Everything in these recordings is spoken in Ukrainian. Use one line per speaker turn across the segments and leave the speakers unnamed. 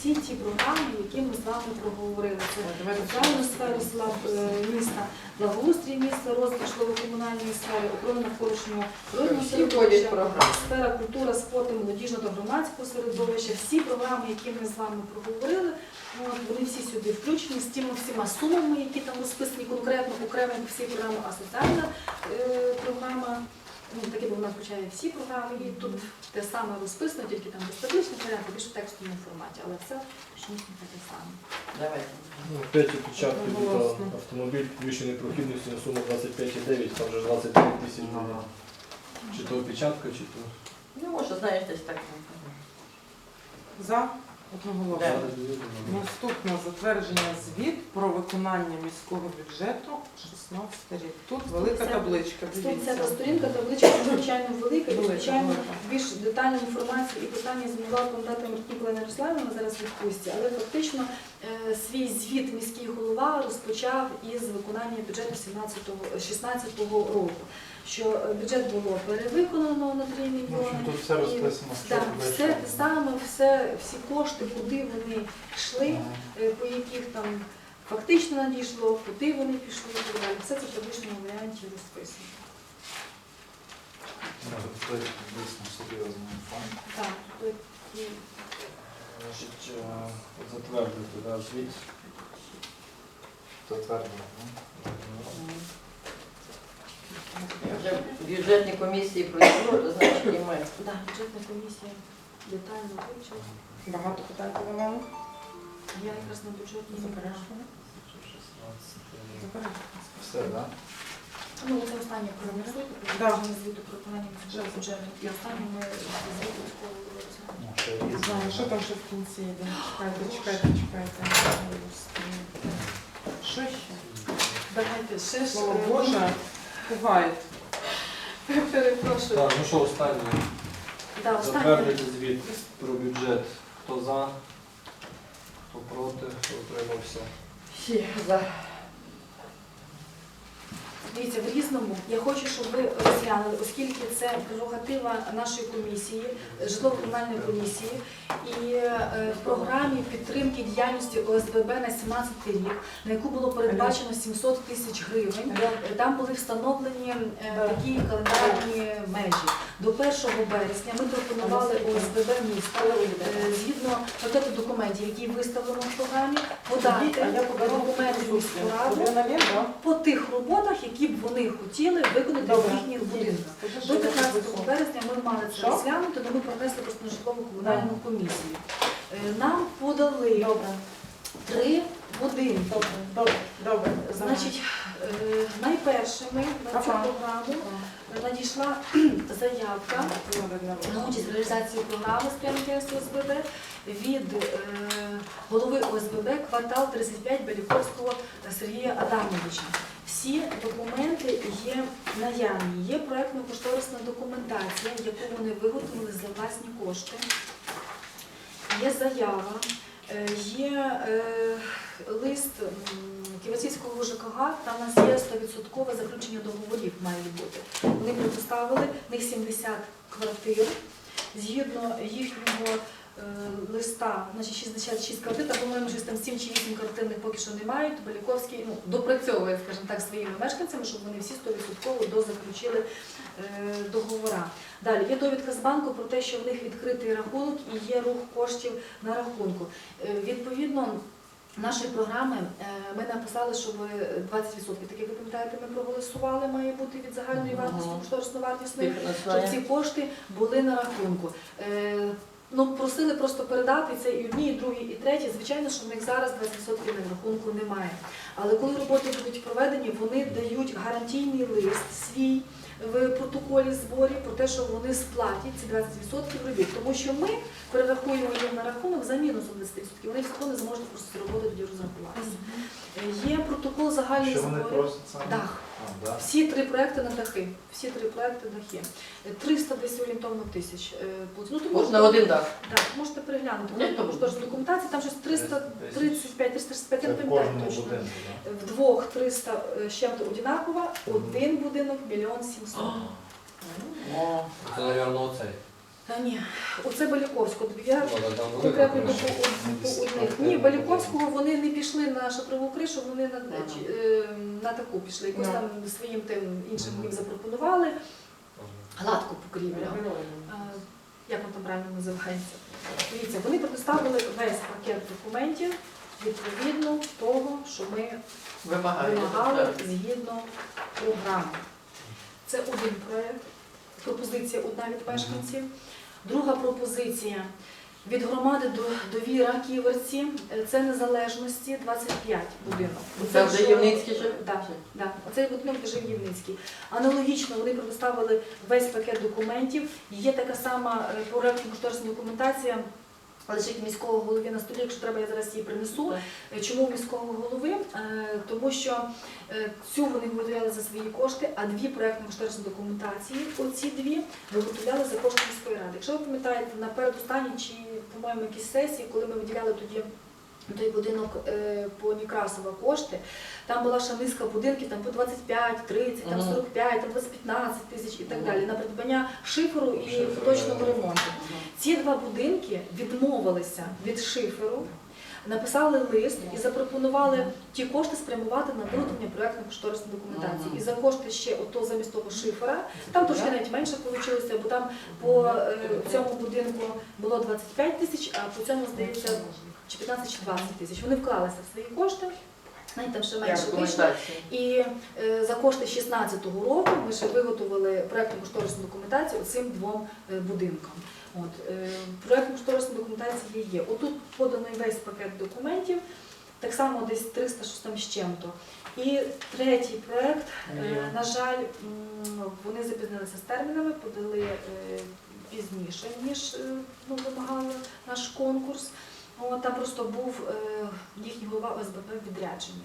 всі ті програми, які ми з вами проговорили. Це соціальну сферу села, міста, благоустрій міста, розвиток житлово-комунальної сфери, охорона навколишнього природного середовища, сфера культура, спорту, молодіжного та громадського середовища. Всі програми, які ми з вами проговорили, вони всі сюди включені з тими всіма сумами, які там розписані конкретно, окремо всі програми, а соціальна програма, таке вона включає всі програми, і тут те саме розписано, тільки там без табличних варіантів, більше в текстовому форматі, але все технічно таке саме.
Давайте.
Опять опечатки тут автомобіль підвищеної прохідності на суму 25,9, там вже 25 тисяч буде. Чи то опечатка, чи то...
Ну, може, знаєш, десь так.
За одноголосно.
Да.
Наступне затвердження звіт про виконання міського бюджету 16 рік. Тут велика табличка.
150 сторінка, табличка надзвичайно велика, і, звичайно, більш детальну інформацію і питання змогла надати Мартинівна Ярославівна зараз відпустці, але фактично свій звіт міський голова розпочав із виконання бюджету 2016 року. Що бюджет було перевиконано на 3 мільйони.
Тут все розписано, що
все саме, всі кошти, куди вони йшли, по яких там фактично надійшло, куди вони пішли і так далі. Все це в табличному варіанті розписано.
Це дійсно серйозний фонд.
Так, тут є.
Значить, затвердити, да, звіт.
Затверджено.
Вже бюджетні комісії пройшло, то значить і ми.
Так, бюджетна комісія детально вивчила.
Багато питань по мене.
Я якраз на бюджетній
Заперечення.
Все, так?
Ну, це останнє проголосуйте,
Да.
про звіту про виконання бюджету. І останнє ми звіту військового.
Знаю, що там ще в кінці йде. Чекайте. Що ще?
Давайте ще ж.
Слава Боже, пугають.
Перепрошую.
Так, ну що, останнє.
Да, останнє.
Затвердити звіт про бюджет. Хто за, хто проти, хто утримався.
Всі за.
Дивіться, в різному. Я хочу, щоб ви розглянули, оскільки це прерогатива нашої комісії, житлово-комунальної комісії, і в програмі підтримки діяльності ОСББ на 2017 рік, на яку було передбачено 700 тисяч гривень, там були встановлені такі календарні межі. До 1 березня ми пропонували ОСББ міста, згідно пакету документів, які виставлено в програмі, подати документи в міську раду по тих роботах, які б вони хотіли виконати в їхніх будинках. До 15 березня ми мали це розглянути, але ми принесли просто на житлово-комунальну комісію. Нам подали 3 будинки.
Добре.
Значить, найпершими на цю програму надійшла заявка на участь в реалізації програми спрямування ОСББ від голови ОСББ «Квартал 35» Беліковського Сергія Адамовича. Всі документи є наявні. Є проєктно-кошторисна документація, яку вони виготовили за власні кошти. Є заява, є лист Ківерцівського ЖКГ, там у нас є 100% заключення договорів має бути. Вони предоставили, в них 70 квартир. Згідно їхнього листа, значить 66 квартир, та, по-моєму, щось там 7 чи 8 квартирних поки що не мають. Беліковський допрацьовує, скажімо так, своїми мешканцями, щоб вони всі 100% дозаключили договора. Далі, є довідка з банку про те, що в них відкритий рахунок і є рух коштів на рахунку. Відповідно нашої програми ми написали, щоб 20%, так як ви пам'ятаєте, ми проголосували, має бути від загальної вартості, кошторисно-вартісної, щоб ці кошти були на рахунку. Ну, просили просто передати це і одні, і другі, і треті. Звичайно, що в них зараз 20% на рахунку немає. Але коли роботи будуть проведені, вони дають гарантійний лист свій в протоколі зборів про те, що вони сплатять ці 20% робіт. Тому що ми перерахуємо їм на рахунок за мінусом 20%. Вони все одно не зможуть просто цю роботу тоді розрахуватися. Є протокол загальних
Що вони
зборів.
просять саме?
Дах.
Да.
Всі 3 проекти на дахи. Всі 3 проекти дахи. 300 десь орієнтовно тисяч. Ну, то
Можна один дах.
Так, можете переглянути.
Ні, то
Кошторисна документація, там щось 335, 365,
Це
я не
в
пам'ятаю
кожному
точно.
будинку, так?
Вдвох 300 з чим-то одинаково, один будинок 1 700 000.
О,
Це, мабуть, оцей.
Та ні, оце Баліковського. Я
Ну, але там велика
конкретно
криша.
по одних. Ні, Баліковського вони не пішли на шатрову кришу, вони на таку пішли. Якось там своїм тим іншим їм запропонували. Гладку покрівлю. Як воно там правильно називається? Дивіться, вони предоставили весь пакет документів відповідно того, що ми вимагали згідно програми. Це один проєкт, пропозиція одна від мешканців. Друга пропозиція від громади довіра Ківерці, це незалежності 25 будинок.
Це вже Євницький жив?
Так, да. Оцей будинок де жив Євницький. Аналогічно вони предоставили весь пакет документів. Є така сама проєктно-кошторисна документація, лежить міського голови на столі, якщо треба, я зараз її принесу. Чому міського голови? Тому що цю вони виготовляли за свої кошти, а дві проєктно-кошторисні документації, оці дві, виготовляли за кошти міської ради. Якщо ви пам'ятаєте, на передостанній чи, по-моєму, якісь сесії, коли ми виділяли тоді той будинок по Некрасова кошти, там була ще низка будинків, там по 25, 30, там 45, там 15 тисяч і так далі, на придбання шиферу і поточного ремонту. Ці два будинки відмовилися від шиферу, написали лист і запропонували ті кошти спрямувати на виготовлення проєктно-кошторисної документації. І за кошти ще ото замість того шифера, там трошки навіть менше вийшло, бо там по цьому будинку було 25 тисяч, а по цьому, здається, чи 15 чи 20 тисяч. Вони вклалися в свої кошти, навіть там ще менше вийшло. І за кошти 16-го року ми ще виготовили проєктно-кошторисну документацію цим двом будинкам. Проєктно-кошторисна документація є. Отут поданий весь пакет документів, так само десь 300 щось там з чим-то. І третій проєкт, на жаль, вони запізнилися з термінами, подали пізніше, ніж вимагав наш конкурс. Там просто був їхній голова ОСББ в відрядженні.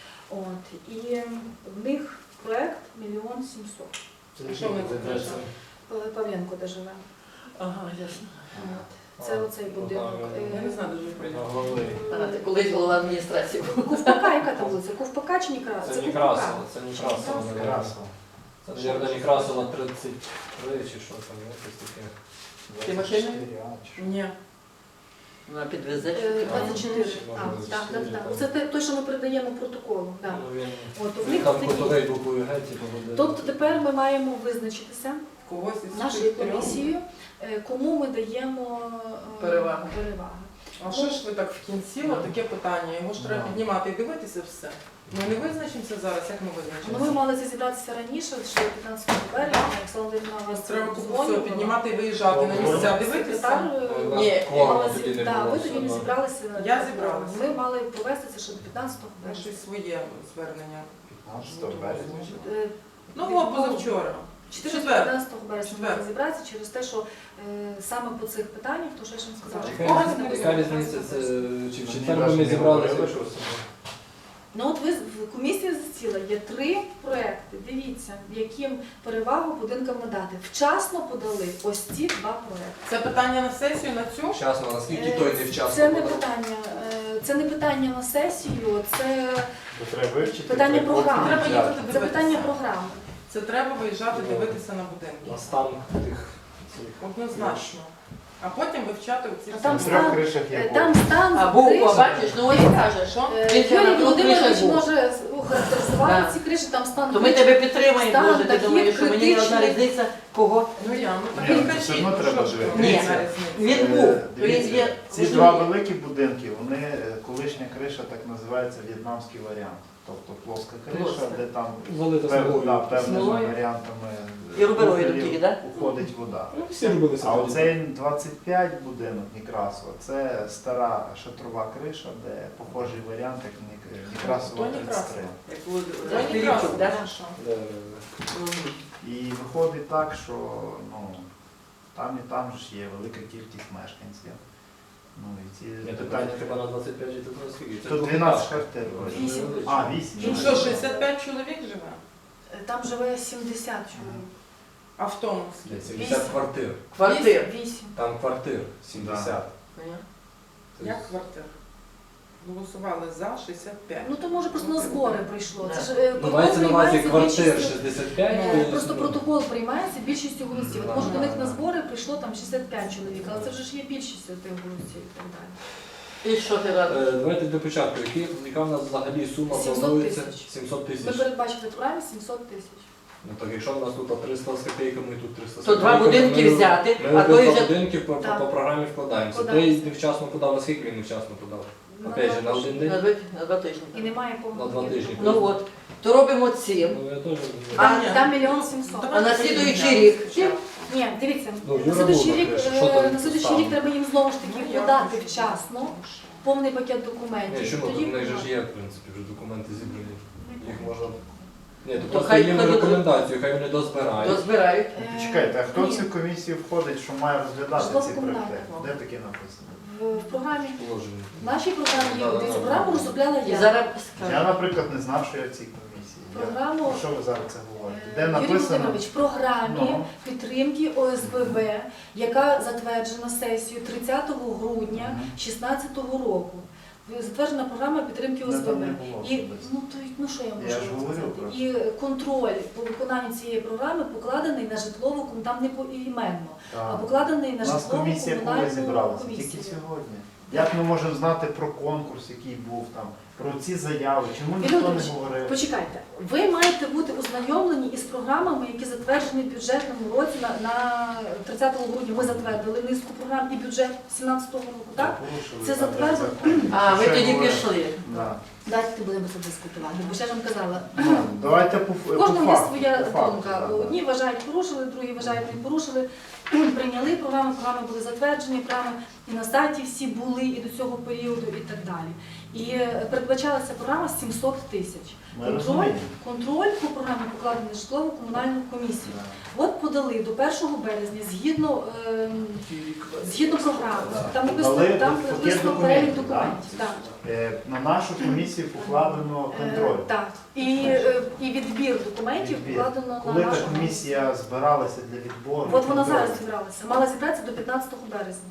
І в них проєкт 1 700 000.
Що ми це?
Павленко де живе.
Ага, ясно.
Це оцей будинок.
Я не знаю, дуже прийняти.
Ти колись голова адміністрації був.
Ковпака, яка там вулиця? Ковпака чи Некрасова?
Це Некрасова, це Некрасова.
Красиво.
Це, мабуть, Некрасова 33 чи що там, якось таке.
Ти машина?
24, а, чи що?
Ні.
Вона підвезе.
24.
Може,
Так.
24.
Це той, що ми передаємо протоколу. Так.
Ну, він
От, в них
там
такі.
кутовий буквою Г, типу, буде.
Тобто тепер ми маємо визначитися
Когось із
нашою
цих трьох?
комісією, кому ми даємо
Перевагу.
А що ж ви так в кінці? Таке питання. Його ж треба піднімати і дивитися все. Ми не визначимося зараз, як ми
Ну, ми
визначимося?
мали це зібратися раніше, ще 15 березня, Оксана Володимирівна вас
Треба купу
дзвонила.
всього піднімати і виїжджати на місця, дивитися.
Секретар,
Ні,
мала
тоді не
так,
було.
ви тоді не
все
зібралися.
Я зібралася.
Ми мали провести це ще до 15
Я
березня.
щось своє звернення.
15 березня.
Ну, от позавчора.
14-15 березня
Четвер.
мали зібратися через те, що саме по цих питаннях, то що я ж вам сказала.
Яка різниця, це чи в четвер би ми зібралися?
Ну от ви в комісії засіла, є 3 проекти. Дивіться, яким перевагу будинкам надати. Вчасно подали ось ці 2 проекти.
Це питання на сесію, на цю?
Вчасно, наскільки той не вчасно?
Це не
подав?
питання. Це не питання на сесію, це
То треба вивчити.
питання
треба
програми.
Треба
взяти.
їхати
Це
дивитися.
питання програми.
Це треба виїжджати, дивитися на будинки.
На стан тих цих.
Однозначно. А потім вивчати оці
А
всі.
там
В трьох
стан-
кришах є
Там стан
А був,
криші.
бачиш, ну ось каже, що? Він
Юрій
на двох
Володимирович
кришах був.
може охарактеризувати
Так.
ці криші, там стан
То ми тебе підтримаємо,
Стан
Боже, ти
таких
думаєш, що мені не одна
критичних.
різниця, кого?
Ну я, ну так
Ні,
і
ну,
кажіть,
все одно
ну,
треба
що ж
дивитися.
ви,
Ні.
яка різниця?
Він був,
Дивіться,
він є.
Ці два великі будинки, вони колишня криша так називається в'єтнамський варіант. Тобто плоска криша,
Плоска.
де там
Залита
певними
Смолою.
варіантами
І рубероїдом
профілів
тільки, так?
уходить вода.
Ну, всі робилися.
А
тоді.
оцей 25 будинок Некрасова, це стара шатрова криша, де похожий варіант, як Некрасова
То
33.
Некрасова.
Як було
То
Пилипчук,
Некрасова,
так?
наша.
Де-
І виходить так, що там і там ж є велика кількість мешканців. Ну, і ці
Ні, то
питання
треба на 25 чи тут на скільки? Це
Тут
двохетажка.
12 квартир. вроде.
8.
А, 8.
Ну що, 65 чоловік живе?
Там живе 70 чоловік.
А в тому
Ні,
скільки?
70 квартир.
Квартир.
8.
Там квартир 70.
Понятно?
Тобто
Як квартир? голосували за 65.
Ну то може просто на збори прийшло. Це ж
Ну,
протокол
мається на увазі
приймається
квартир
більшістю.
65.
Просто протокол приймається більшістю голосів. От може до них на
Да.
збори прийшло там 65 чоловік, але це вже ж є більшістю тих голосів і так далі.
І що ти радиш?
Давайте для початку. Яка в нас взагалі сума
700
планується?
тисяч.
700
Ми
тисяч.
передбачили в програмі 700 тисяч.
Ну так, якщо в нас тут 300 з копійками, тут 300 з
То два
копійками,
будинки
ми-
взяти,
Ми
а той
два
вже
будинки по
Так.
програмі вкладаємося. Той
Вкладаємося.
невчасно подав, а скільки він невчасно подав? Опять же, на один день?
на 2 тижні.
І немає
На
повного
2 тижні.
Ну от, то робимо цим.
Ну я теж
Там,
ні.
там 1 700 000.
А на слідуючий рік?
Ні, дивіться,
Ну,
на
Юра
слідуючий
Бузак
рік,
пише, що там
на слідуючий
ставимо?
рік треба їм знову ж таки
Я
подати
хочу.
вчасно повний пакет
Ні,
документів.
чому?
Тоді
Тут в них же ж є, в принципі, вже документи зібрані. Їх можна... Ні, то
То
просто
хай
їм
хай
рекомендацію, хай вони дозбирають.
Дозбирають.
Почекайте, а хто в
Ні.
цю комісію входить, що має розглядати ці
Житлово-комунальне.
проекти? Де таке написано?
в програмі,
Положення.
в нашій програмі є,
Да, да,
дивіться,
да.
програму розробляла
І
я.
зараз
Я,
скажу.
наприклад, не знав, що я в цій комісії.
Програму-
Про що ви зараз це говорите? Де
Юрій
написано?
Володимирович, в програмі
Ну.
підтримки ОСББ, яка затверджена сесією 30 грудня
Мгм.
2016 року. Затверджена програма підтримки
Ну, там
ОСББ.
не було
І
особисто.
що я можу
Я ж говорю
сказати?
просто.
І контроль по виконанню цієї програми покладений на житлову, там не поіменно, а
Так.
покладений на
У нас
житлову
комісія коли
комунальну
зібралася?
комісію.
Тільки сьогодні. Як ми можемо знати про конкурс, який був там, про ці заяви? Чому ніхто не
Володимирович,
говорив?
Почекайте, ви маєте бути ознайомлені із програмами, які затверджені в бюджетному році на 30 грудня. Ми затвердили низку програм і бюджет 2017 року, так?
Порушили
Це
там
затверджено.
закон.
А, ви
Ще
тоді
говорили.
пішли.
Да.
Дайте будемо це дискутувати, бо ще ж вам казала.
Ну, давайте по
У кожного є
факту,
своя
по факту,
думка.
да, да.
Одні вважають порушили, другі вважають не порушили. Прийняли програми, програми були затверджені, програми і на сайті всі були, і до цього періоду, і так далі. І передбачалася програма 700 тисяч.
Ми розуміємо.
Контроль по програмі покладений на житлово-комунальну комісію.
Да.
От подали до 1 березня згідно програми. Там написано,
Дали
там
пакет
написано перелік
документів,
документів. Так.
На нашу комісію покладено контроль.
Так. І відбір документів
Відбір.
покладено
Коли
на
та
нашу
комісія збиралася для відбору?
От вона
контролю?
зараз зібралася. Мала зібратися до 15 березня.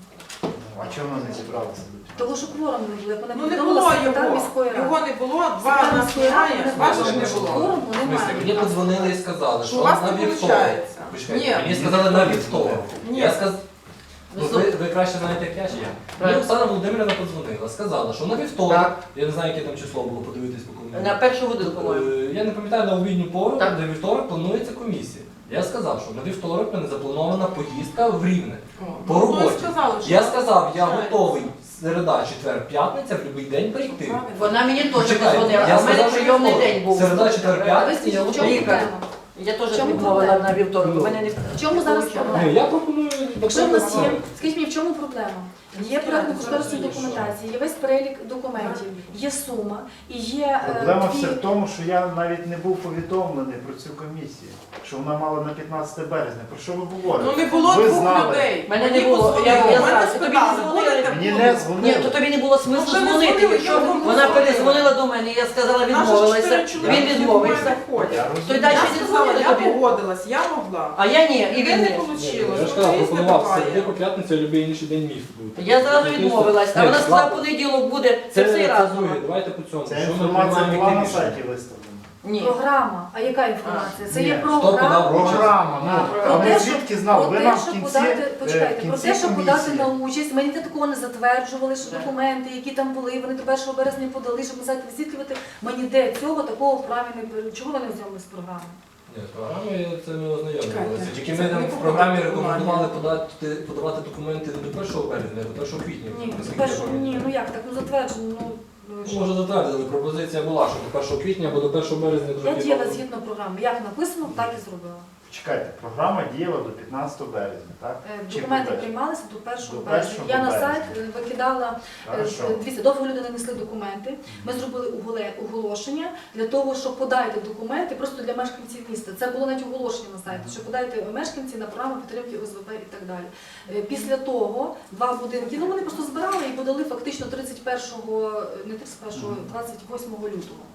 А чого вона не зібралася?
Того, що кворум не було, як мене
Ну не
повідомила
було
секретар
його.
міської ради.
Його не було, два
Секретар
нас
міської ради
немає,
не
ваших
було.
не було.
Кворуму
В смислі,
немає.
мені подзвонили і сказали,
Що
що
у вас
на
не
вівторок.
виходить?
Почекайте,
Ні.
мені сказали на вівторок.
Ні.
Я сказав,
Ну,
ви краще знаєте, як я чи я. Мені
Правильно.
Оксана Володимирівна подзвонила, сказала, що на вівторок,
Так.
я не знаю, яке там число було, подивитись по комунікації.
На першу годину, по-моєму.
Я не пам'ятаю на обідню пору,
Так.
де вівторок планується комісія. Я сказав, що на вівторок в мене запланована поїздка в Рівне. По
Ну,
роботі.
ви сказали, що
Я
вона
сказав, я
виходить.
готовий середа, четвер, п'ятниця, в будь-який день прийти.
Правильно.
Вона мені теж
Почекайте,
позвонила,
я
а в мене
сказав, що
прийомний
вівторок.
день був.
Середа, четвер,
Ви
п'ятниця,
скажіть,
я
в чому
готовий.
Лікар.
проблема?
Я теж
В чому
відмовила
проблема?
на вівторок.
Ну.
У мене не
В чому зараз проблема?
Ну, я пропоную...
Якщо в нас є, скажіть мені, в чому проблема? Є проектно-кошторисна документація, є весь перелік документів, є сума і є
Проблема
дві...
все в тому, що я навіть не був повідомлений про цю комісію, що вона мала на 15 березня. Про що ви говорите?
Ну не було
Ви
двох
знали.
людей.
Мене не
Мені
було.
позвонили,
Я
мене
знаю. Тобі не
спитали,
дзвонили?
будете
Мені
бути?
не
Ні,
дзвонили.
то тобі не було смислу
Ну, вже не
дзвонити.
дзвонили,
Якщо
я вам
вона
дзвонила.
перезвонила до мене, я сказала,
Наші
відмовилася.
4 чоловіки
Він відмовився.
ходять.
Я
То й
розумію.
далі
Я
не
сказала,
дзвонили
я
тобі.
погодилась, я могла.
А я ні, і
І
він
не
ні.
вийшло.
Я ж казав, пропонував середи по п'ятницю, а будь-який інший день міг бути.
Я зразу відмовилась. А
Ні,
вона сказала,
ладно.
понеділок буде. Це
Це
все разом.
друге, давайте по цьому.
Ця
Що ми
інформація
приймаємо
була на
яке рішення?
сайті виставлена.
Ні.
Програма. А яка інформація? Це
Ні.
є
Хто подав
програма.
Програма,
Про
а ми
те,
звідки знали? Ви
Про
нам
те,
в
що
кінці,
подати,
в
почекайте, про
кінці
те, що подати
комісії.
на участь, ми ніде такого не затверджували, що
Так.
документи, які там були, вони до 1 березня подали, щоб на сайті висвітлювати. Ми ніде цього такого в програмі не пере- Чого ви не ознайомилися з програмою?
Ні, з програмою це ми ознайомлювалися.
Чекайте,
Тільки
це
ми там
не
в
по
програмі
програмі.
рекомендували подавати документи не до 1 березня, а до 1 квітня.
Ні,
наскільки я пам'ятаю.
ні, ну як так, ну затверджено, ну що?
Може затвердили, пропозиція була, що до 1 квітня або до 1 березня
Я
зробити.
діяла згідно програми. Як написано, так і зробила.
Чекайте, програма діяла до 15 березня, так? Чи
Документи
буде?
приймалися до 1
До
березня.
1
Я на
березня.
сайт викидала,
Хорошо.
дивіться, довго люди не несли документи. Ми зробили оголошення для того, щоб подайте документи просто для мешканців міста. Це було навіть оголошення на сайті, що подайте мешканці на програму підтримки ОСББ і так далі. Після того два будинки, ну вони просто збирали і подали фактично 31-го, не 31-го, 28 лютого.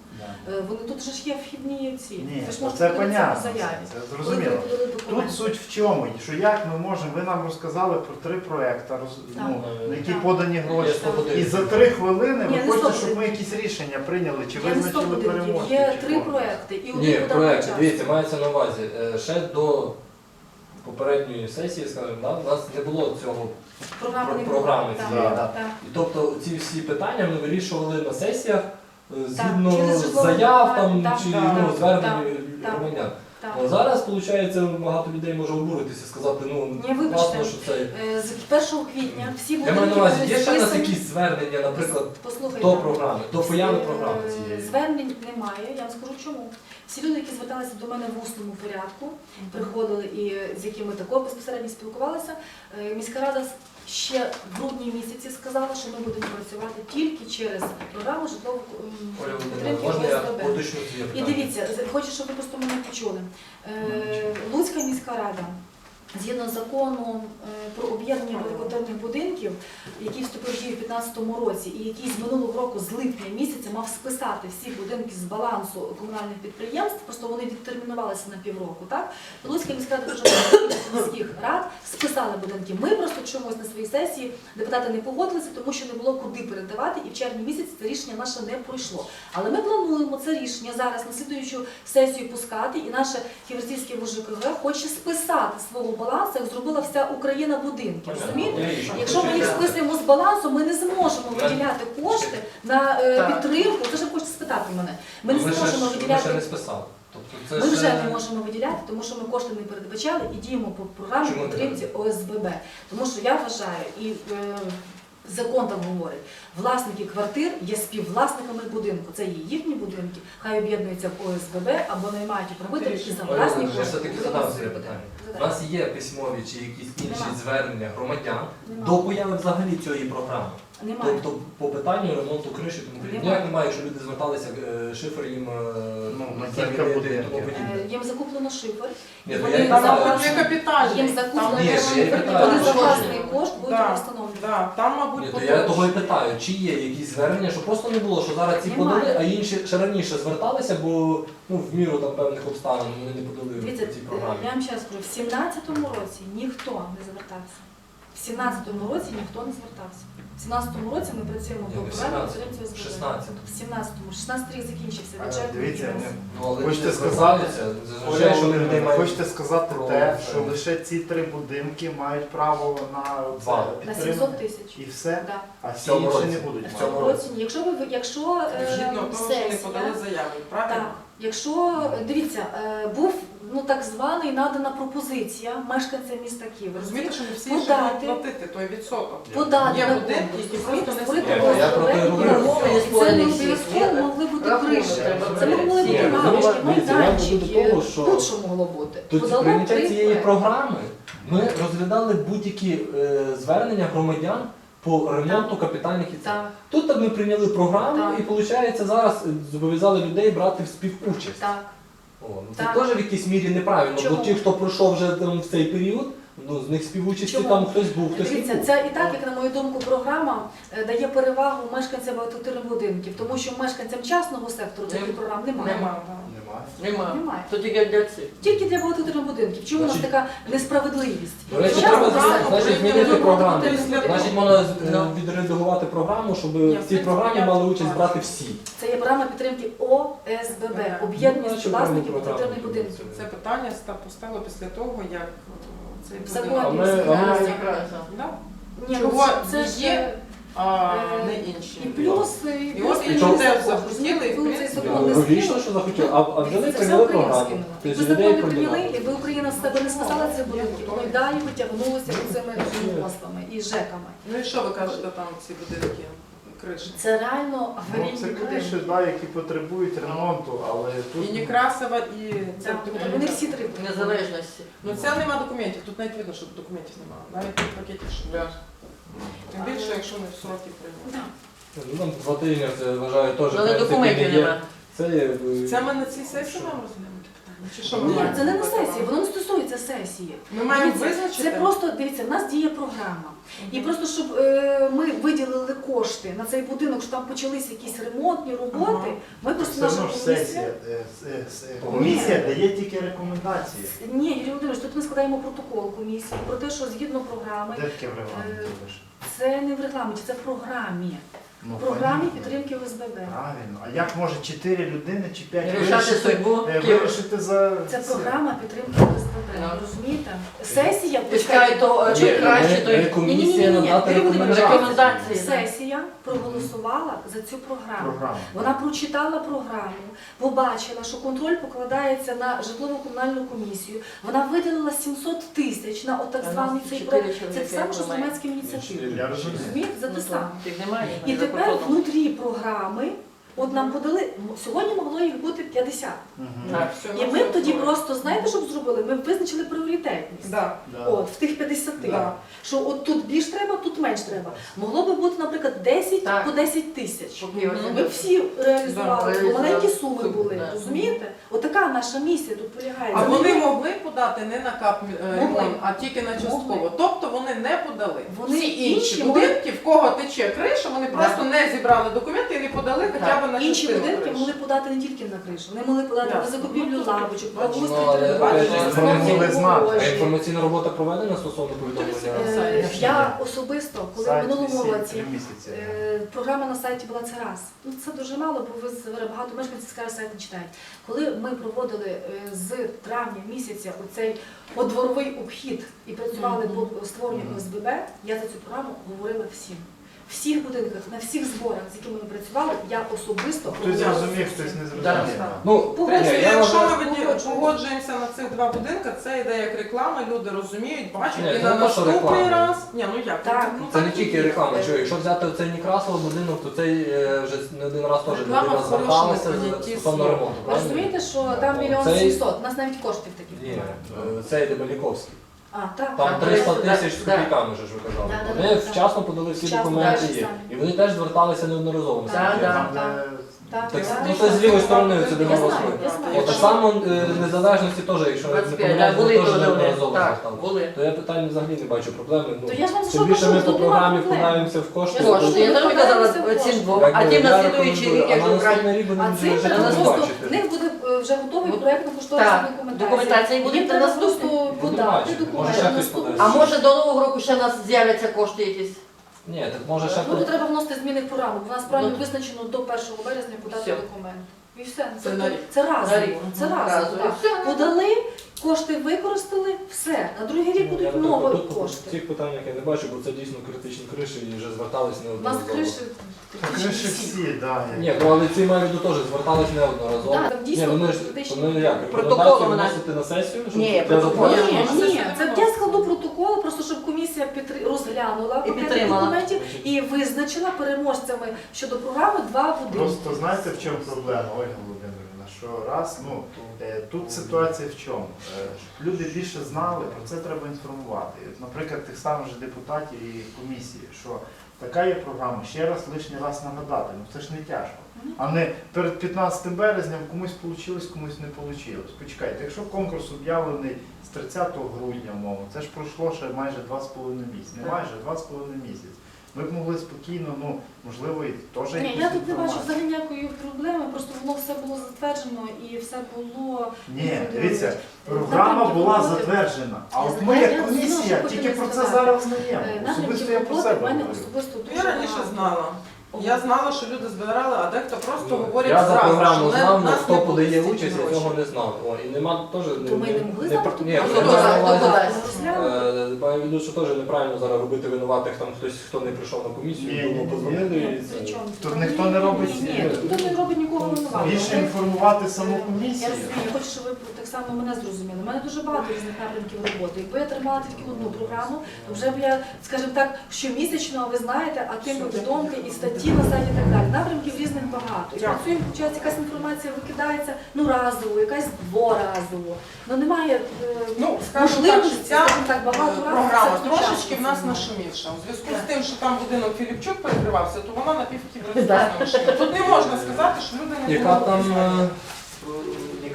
Да.
Вони тут же ж є вхідні ці.
Ні,
Ви ж можете
це
подивитися
понятно,
по заяві.
це
Коли
зрозуміло.
ви подали
Тут
документи.
суть в чому? Що як ми можемо, ви нам розказали про 3 проекти, ну, на які
Так.
подані
Є
гроші.
100
І
будинків.
за 3 хвилини
Ні,
ви
не
хочете,
100
щоб ми якісь рішення прийняли, чи
Я не
визначили
100 будинків,
переможців?
є
чи
3
кого?
проекти. І
Ні,
один
проект,
час.
дивіться, мається на увазі. Ще до попередньої сесії, скажімо, да, у нас не було цього.
Програми не
програми
було.
цієї,
Так,
да.
так.
І тобто ці всі питання ми вирішували на сесіях згідно
через житлове
заяв там,
питання,
чи
так,
ну,
так,
звернень
так,
громадян.
Так.
А зараз, виходить, багато людей може обуритися, сказати, ну,
Ні, вибачте.
класно, що це.
З 1 квітня всі
Я
будинки
маю на увазі,
були
є ще у нас
списані.
якісь звернення, наприклад,
Послухайте,
до програми, до появи
Е,
програми цієї.
Звернень немає, я вам скажу чому. Всі люди, які зверталися до мене в усному порядку, приходили і з якими також безпосередньо спілкувалися, міська рада ще в грудні місяці сказала, що ми будемо працювати тільки через програму житлової
Оля Володимирівна,
підтримки
можна я
ОСББ.
уточню своє
І
питання?
дивіться, хочу, щоб ви просто мене почули. Луцька міська рада, згідно закону про об'єднання багатоквартирних будинків, який вступив в дію в 2015 році і який з минулого року, з липня місяця, мав списати всі будинки з балансу комунальних підприємств, просто вони відтермінувалися на півроку, так? То Луцька міська рада дуже міських рад списали будинки. Ми просто чомусь на своїй сесії депутати не погодилися, тому що не було куди передавати, і в червні місяці це рішення наше не пройшло. Але ми плануємо це рішення зараз на слідуючу сесію пускати, і наше Ківерцівське ВЖКГ хоче списати свого балансу, як зробила вся Україна будинки. Розумієте? Якщо ми їх списуємо з балансу, ми не зможемо виділяти кошти на підтримку. Це ж ви хочете спитати мене. Ми не зможемо
Ми ще не
виділяти.
списали. Тобто це
Ми
ще-
вже не можемо виділяти, тому що ми кошти не передбачали і діємо по програмі
Чому не
підтримці ОСББ. Тому що я вважаю, і закон там говорить, власники квартир є співвласниками будинку. Це є їхні будинки, хай об'єднуються в ОСББ або наймають управителів і за
Оля
власні
Володимирівна, я
кошти.
все-таки
будемо
задам своє
робити.
питання. У
Задайте.
нас є письмові чи якісь інші
Нема.
звернення громадян
Нема.
до появи взагалі цієї програми.
Немає.
Тобто по питанню ремонту криші, тому подібне.
Немає.
Ніяк немає, якщо люди зверталися, шифр їм
Ну, на
замінити
кілька
і
будинків.
тому подібне.
Їм закуплено шифер.
Ні,
і
ну,
вони
я
Там
не знаю,
за-
не капітальний.
Їм
Там
закуплено
Ні,
шифер,
я
і
питаю,
вони за
що
власний
ж?
кошт будуть
Да.
встановлювати.
Да, там, мабуть,
Ні, то я того і
поточно.
питаю, чи є якісь звернення, що просто не було, що зараз ці
Немає.
подали, а інші ще раніше зверталися, бо ну, в міру там певних обставин вони не подали
Дивіться,
в цій програмі.
я вам ще раз кажу, в 17-му році ніхто не звертався. В 17-му році ніхто не звертався. В 17-му році ми працюємо
Ні,
по
не в
програмі
17-му,
підтримки
в
ОСББ.
16-му.
В 17-му. 16 рік закінчився
А,
бюджет.
Дивіться,
Ну, але
Хочете
люди
сказати-
звертаються, зазвичай, що
Оля,
людей мають
хочете сказати
про
те,
це.
що лише ці 3 будинки мають право на
Два.
На
підтримку?
700 тисяч.
І все?
Да.
А всі
цьому
інші
році.
не будуть
В
В
мати?
цьому році ні. Якщо
Згідно того, що не
сесія,
подали заяви, правильно?
так, якщо, дивіться, був так званий надана пропозиція мешканцям міста Києва.
Розумієте, що не всі
Подати.
ще будуть платити той відсоток.
Подати
Є
на
будинки,
конкурс,
які просто не
створити
створюють.
Я про те
ОСББ,
говорю.
і це не
Створені всі.
обов'язково могли бути
Рахунок
криші.
треба
Це могли бути
Ні,
лавочки,
дивіться, я веду
майданчики,
до того, що
будь-що могло бути.
Тоді
Подало
прийняття
3
цієї
проекти.
програми ми розглядали будь-які звернення громадян по ремонту капітальних і це.
Так,
Тут ми прийняли програму
Так.
і виходить зараз зобов'язали людей брати в співучасть.
так.
О, ну, це
Так.
теж в якійсь мірі неправильно,
Чому?
бо ті, хто пройшов вже там, в цей період, ну, з них співучасті
Чому?
там хтось був, хтось не
Дивіться,
був.
це і так, як на мою думку, програма дає перевагу мешканцям багатоквартирних будинків, тому що мешканцям частного сектору таких програм немає.
Нема, да.
Немає.
Нема.
Немає.
То тільки для цих.
Тільки для багатоквартирних будинків. Чому у нас
Значить-
така несправедливість?
До речі,
Частного
треба
сектору
значить,
прийняли
змінити програму.
багатоквартирних
Значить,
будинків.
можна
Ну.
відредагувати програму, щоб
Ні,
в цій
в
програмі
принципі,
мали
я
участь
бачу.
брати всі.
Це є програма підтримки ОСББ, об'єднання
Ну,
співвласників
програму
багатоквартирних
підтримки.
будинків.
Це питання поставило після того, як цей
В
будинок.
законі.
А ми-
Якраз.
Якраз.
Да?
Ні,
Чого
це ж
є, а
е,
не інші.
і плюс, і плюс
от і
цей
люди
закон.
захотіли, і, в
Ви цей
принципі,
закон не
Логічно,
скинули.
що захотіли, а взяли
Це вся
прийняли
Україна
програму.
скинула.
Тобто
Якби
людей
закон не
прийняли.
прийняли, якби Україна з себе не списала ці будинки, воно й далі витягнулося цими госпами і ЖЕКами.
Ну і що ви кажете там ці будинки, криші?
Це реально
Ну,
аварійні
це криші,
будинки.
да, які потребують ремонту, але тут
І Некрасова, і це
Так, вони всі три.
Незалежності.
Ну це нема документів, тут навіть видно, що документів немає. Навіть в пакеті що.
Да.
Тим більше, якщо не в сроки прийняли.
Да.
Ну, там 2 тижні, це вважаю теж. в
Але
принципі,
документів
не є.
нема.
Це є,
Це ми на цій сесії нам розглянути питання? Чи що ми
Ні,
маємо
це не на
робити?
сесії, воно не стосується за сесії.
Ми маємо
Дивіться,
визначити.
Це просто, дивіться, в нас діє програма. І просто, щоб ми виділили кошти на цей будинок, що там почалися якісь ремонтні роботи, ми просто
Все
наша
одно ж
комісія...
сесія, комісія дає тільки рекомендації.
Ні, Юрій Володимирович, тут ми складаємо протокол комісії про те, що згідно програми,
Де таке в регламенті лише?
це не в регламенті, це в програмі.
Ну,
В програмі
понятно.
підтримки ОСББ.
Правильно. А як може 4 людини чи 5
Рішати судьбу Києва.
вирішити за
Це
це?
програма підтримки ОСББ.
Ну.
Розумієте? Сесія
Почекай, то
Ні,
чим краще, то
ми
й
комісія
Ні-ні-ні,
надати
Юрій Володимирович,
рекомендації.
Сесія проголосувала за цю програму.
Програма.
Вона прочитала програму, побачила, що контроль покладається на житлово-комунальну комісію. Вона виділила 700 тисяч на так званий цей проект. Це те саме, що з громадськими ініціативами.
Я розумію.
Розумієте? За те саме.
Тих немає.
І
вони за
тепер
кордоном.
внутрі програми, от нам подали, сьогодні могло їх бути 50.
Мгм.
Так.
І ми б тоді просто, знаєте, що б зробили? Ми б визначили пріоритетність.
Да.
Да.
От, в тих 50.
Да.
Що от тут більш треба, тут менш треба. Могло би бути, наприклад, 10
Так.
по 10 тисяч.
Поки ось
Ми б всі реалізували,
Да,
бо маленькі
реалізували.
суми були,
Да.
розумієте? Отака наша місія тут полягає.
А
Це
вони
не-
могли подати не на кап ремонт,
Могли.
а тільки на частково.
Могли.
Тобто вони не подали.
Вони
Всі
інші
інші
могли.
будинки, в кого тече криша, вони просто не зібрали документи і не подали хоча б на
Інші
частину
будинки
криші.
могли подати не тільки на кришу, вони могли подати
Да.
на закупівлю лавочок,
Бачиш,
благоустрій
ну, але
території,
опять же,
розмовні
вони могли знати.
А
огорожі.
інформаційна робота проведена стосовно повідомлення?
Я особисто, коли в
Сайт
минулому
висить
році
3 місяці.
програма на сайті була це раз. Ну це дуже мало, бо ви багато мешканців скажуть, сайт не читають. Коли ми проводили з травня місяця оцей подворовий обхід і працювали по створенню ОСББ, я за цю програму говорила всім. В всіх будинках, на всіх зборах, з якими ми працювали, я особисто
Хтось
говорила
зрозумів,
всім.
хтось не
Да.
зрозумів.
Ну,
Погоджуюсь.
ні,
Тобто,
я
якщо
вважаю-
ми погоджуємося на цих два будинки, це йде як реклама, люди розуміють, бачать,
Ні,
і
це
на
не то, що
наступний
реклама.
раз. Ні, ну як?
Так.
Ну,
Це
так
не
і
тільки
є.
реклама. Що, якщо взяти цей Некрасово будинок, то цей вже не один раз теж
Реклама
людина
в хорошому
зверталася
понятті
стосовно
слова.
ремонту.
Ви
правильно?
розумієте, що там
Ну,
1
цей-
700 000, у нас навіть коштів таких
Ні,
немає.
цей Дебальніковський.
А, так.
Там
Так,
300
да,
тисяч з
да.
копійками, вже ж ви казали.
Да, да,
Вони
да, да.
вчасно подали всі
Вчасно,
документи
так,
є.
самі.
І вони теж зверталися неодноразово.
Так,
наскільки я
Там,
знаю.
де
Так,
Так,
так.
ну це з лівої сторони це
Я
де
знаю,
росли.
я знаю.
От, так само незалежності теж, якщо не
25,
помиляюсь,
да, були
вони теж
теж вони.
неодноразово
Так,
зверталися.
були.
То я питання взагалі не бачу проблеми. Ну,
То я ж вам
тим
що
більше
кажу,
ми по
тут нема
програмі
проблем.
вкладаємося в кошти.
Я ж
Кошти. Я тобі казала цим двом, а тим на слідуючий рік,
а
якщо
на
брати.
наступний рік
А
будемо
цим
вже
треба
жити
просто, в
бачити.
них буде вже готовий
Ну,
проєктно-кошторисна
так,
документація.
документація, і буде
Їм треба
наступний.
просто
Будемо
подати
бачити. Може,
документи.
ще хтось
наступний.
подасть.
А може до Нового року ще в нас з'являться кошти якісь?
Ні, так може ще
Ну, то треба вносити зміни в програму, бо в нас правильно
Ну,
визначено до 1 березня подати
все.
документ. І все.
Це на рік.
Це
На
разово.
рік.
Це разово.
Разово.
так.
Все.
Подали, кошти використали, все. На другий рік
Я,
будуть
наприклад,
нові
тут
кошти.
в цих питаннях я не бачу, бо це дійсно критичні криші і вже звертались
У нас
неодноразово.
криші.
криші всі, да.
Ні, ну але ці маю теж звертались неодноразово.
Так, там дійсно
Ні, вони ж
критичні.
вони як,
Протоколом
рекомендації
вона-
вносити на сесію? щоб
Ні,
для
протоколом.
затвердження?
Ні, це я складу протокол, просто щоб комісія розглянула
І
пакет
підтримала.
документів і визначила переможцями щодо програми 2 будинки.
Просто знаєте, в чому проблема, Ольга Володимирівна, що раз, ну, тут ситуація в чому? Щоб люди більше знали, про це треба інформувати. От, наприклад, тих самих же депутатів і комісії, що така є програма, ще раз, лишній раз нагадати, ну це ж не тяжко. А не перед 15 березня комусь вийшло, комусь не вийшло. Почекайте, якщо конкурс об'явлений з 30 грудня, мовно, це ж пройшло ще майже 2,5 місяці. Не майже, 2,5 місяці. Ми б могли спокійно, ну, можливо, і теж
Ні,
якусь
я тут не бачу
інформацію.
взагалі ніякої проблеми, просто воно все було затверджено і все було.
Ні, дивіться, програма
Напрямки
була
роботи.
затверджена, а
Я
от
знаю,
ми
я
як комісія
знову
тільки
хочу
про це
сказати.
зараз знаємо. Особисто
Напрямки
я про
роботи
себе
в мене
говорю.
особисто дуже
Я раніше
багато.
знала. Я знала, що люди збирали, а дехто просто
Ну,
говорять
я за
зразу,
програму
що
знав, але
нас
хто
не
подає
пустять
участь, я
гроші.
цього не знав. О, і нема теж
То ми не могли знати, хто
ні,
подає?
я маю на увазі,
подасть?
маю в виду, що теж неправильно зараз робити винуватих там хтось, хто не прийшов на комісію,
Ні,
думав,
ні,
позвонили
Ні,
і
при
це.
чому?
Тут ніхто не робить
Ні,
ці-
тут ніхто не робить нікого винуватого.
Більше інформувати саму
Я
комісію.
розумію, я хочу, щоб ви так само мене зрозуміли. У мене дуже багато різних напрямків роботи. Якби я тримала тільки одну програму, то вже б я, скажімо так, щомісячно, ви знаєте, а тим повідомки і статті на сайті і так далі. Напрямків різних багато. І
Дякую.
працюємо, виходить, якась інформація викидається разово, якась дворазово. Ну немає
Ну, скажімо так,
можливості,
що ця
скажімо так, багато разів
програма
все
трошечки в нас
включати.
нашумівша. У зв'язку з тим, що там будинок Філіпчук перекривався, то вона на півкіберсу
Да.
нашуміла. Тут не можна сказати, що люди не
Яка
були
там,
обізнані.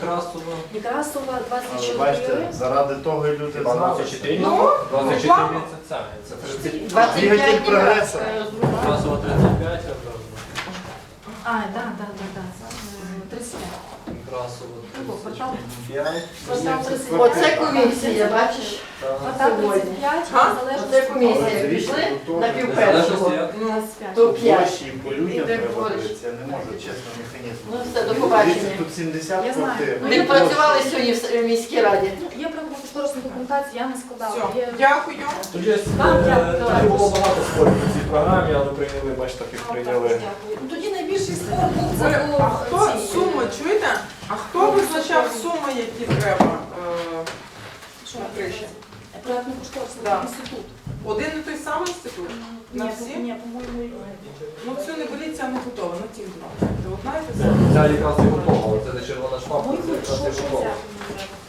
Некрасова.
Некрасова
Але
24.
бачите, заради того і люди
Хіба
знали.
24?
Ну,
24
реклама.
це ця. Це 30.
25
Двигатель прогресу.
Некрасова 35, а
А, да. 35.
Некрасова
Портал
35.
Портал 35.
Оце комісія, бачиш?
Портал 35,
А?
незалежно
Оце
від
комісія.
Але
Пішли
дивіться,
на
тут теж
півпершого.
Ну,
25.
То
По
5.
площі і по людям
Іде
треба
поруч.
дивитися, я не можу, чесно, механізм.
Ну, все, до побачення.
Дивіться, тут 70
Я знаю.
квартир.
Ну,
Ми
я
працювали сьогодні в міській раді.
Є проектно-кошторисна документація, я не складала.
Все,
Є-
дякую.
Тоді
Вам дякую.
тоді було багато спорів по цій програмі, але прийняли, бачите, так як прийняли.
Дякую. Ну, тоді найбільший спор був це
Оля,
було
а хто
ці-
суми, чуєте? А хто визначав суми, які треба
Що?
на криші?
Проектно-кошторисний
Да.
інститут.
Один і той самий інститут? На всі?
Ні, по-моєму,
Ну цю не беріть, ця не готова, на ті два. Ти одна і ти сама.
Ця якраз не готова, але це не червона шпака,
по-моєму,
це якраз не
що
готова.
це?